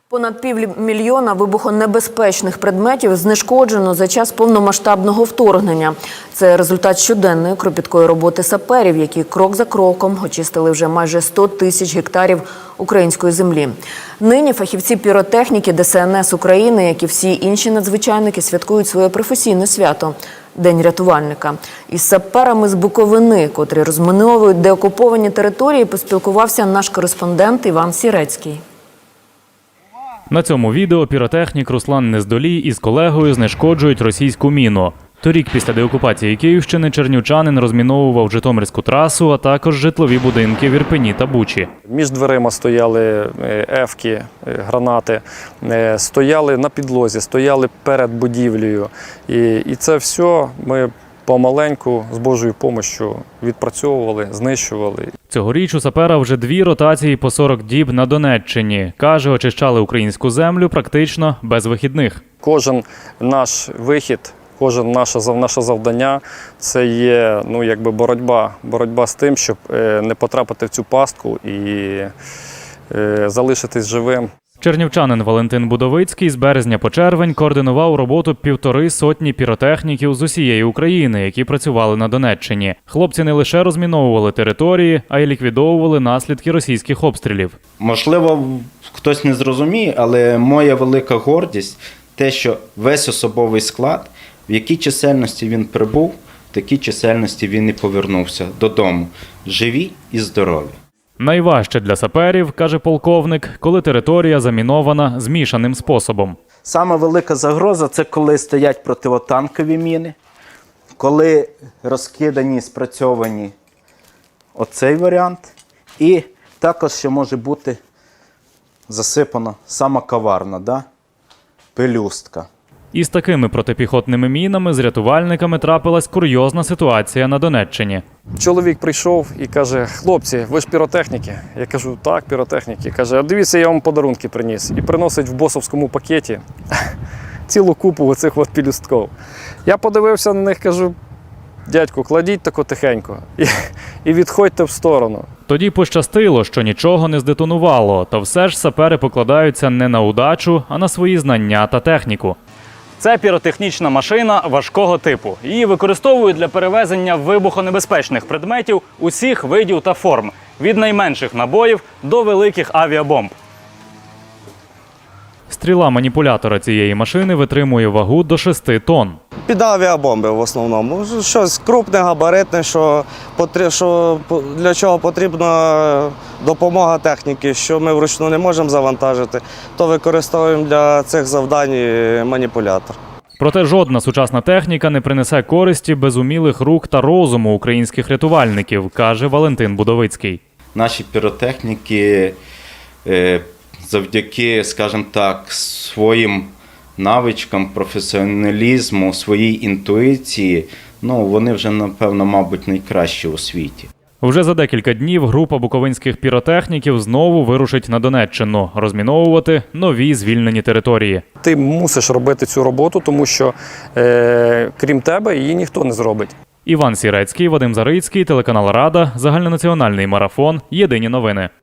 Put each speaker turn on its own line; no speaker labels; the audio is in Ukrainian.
Понад 500 000 вибухонебезпечних предметів знешкоджено за час повномасштабного вторгнення. Це результат щоденної кропіткої роботи саперів, які крок за кроком очистили вже майже 100 тисяч гектарів української землі. Нині фахівці піротехніки ДСНС України, як і всі інші надзвичайники, святкують своє професійне свято – День рятувальника. Із саперами з Буковини, котрі розміновують деокуповані території, поспілкувався наш кореспондент Іван Сірецький.
На цьому відео піротехнік Руслан Нездолій із колегою знешкоджують російську міну. Торік після деокупації Київщини чернівчанин розміновував Житомирську трасу, а також житлові будинки в Ірпені та Бучі.
Між дверима стояли ефки, гранати, стояли на підлозі, стояли перед будівлею. І це все ми помаленьку, з Божою допомогою відпрацьовували, знищували.
Цьогоріч у сапера вже 2 ротації по 40 діб на Донеччині. Каже, очищали українську землю практично без вихідних.
Кожен наш вихід, кожен наше завдання – це є боротьба з тим, щоб не потрапити в цю пастку і залишитись живим.
Чернівчанин Валентин Будовицький з березня по червень координував роботу 1,5 сотні піротехніків з усієї України, які працювали на Донеччині. Хлопці не лише розміновували території, а й ліквідовували наслідки російських обстрілів.
Можливо, хтось не зрозуміє, але моя велика гордість – те, що весь особовий склад, в якій чисельності він прибув, в такій чисельності він і повернувся додому, живі і здорові.
Найважче для саперів, каже полковник, коли територія замінована змішаним способом.
Саме велика загроза – це коли стоять противотанкові міни, коли розкидані, спрацьовані оцей варіант, і також ще може бути засипана сама каварна, пелюстка.
Із такими протипіхотними мінами з рятувальниками трапилась курйозна ситуація на Донеччині.
Чоловік прийшов і каже: хлопці, ви ж піротехніки? Я кажу: так, піротехніки. Каже: а дивіться, я вам подарунки приніс. І приносить в босовському пакеті цілу купу оцих пелюстків. Я подивився на них, кажу: дядьку, кладіть тако тихенько і відходьте в сторону.
Тоді пощастило, що нічого не здетонувало, та все ж сапери покладаються не на удачу, а на свої знання та техніку. Це піротехнічна машина важкого типу. Її використовують для перевезення вибухонебезпечних предметів усіх видів та форм, від найменших набоїв до великих авіабомб. Стріла маніпулятора цієї машини витримує вагу до 6 тонн.
Під авіабомби в основному. Щось крупне, габаритне, для чого потрібна допомога техніки, що ми вручну не можемо завантажити, то використовуємо для цих завдань маніпулятор.
Проте жодна сучасна техніка не принесе користі без умілих рук та розуму українських рятувальників, каже Валентин Будовицький.
Наші піротехніки завдяки, скажімо так, своїм навичкам, професіоналізму, своїй інтуїції, вони вже, напевно, мабуть, найкращі у світі.
Вже за декілька днів група буковинських піротехніків знову вирушить на Донеччину, розміновувати нові звільнені території.
Ти мусиш робити цю роботу, тому що крім тебе її ніхто не зробить.
Іван Сірецький, Вадим Зарицький, телеканал Рада, загальнонаціональний марафон, єдині новини.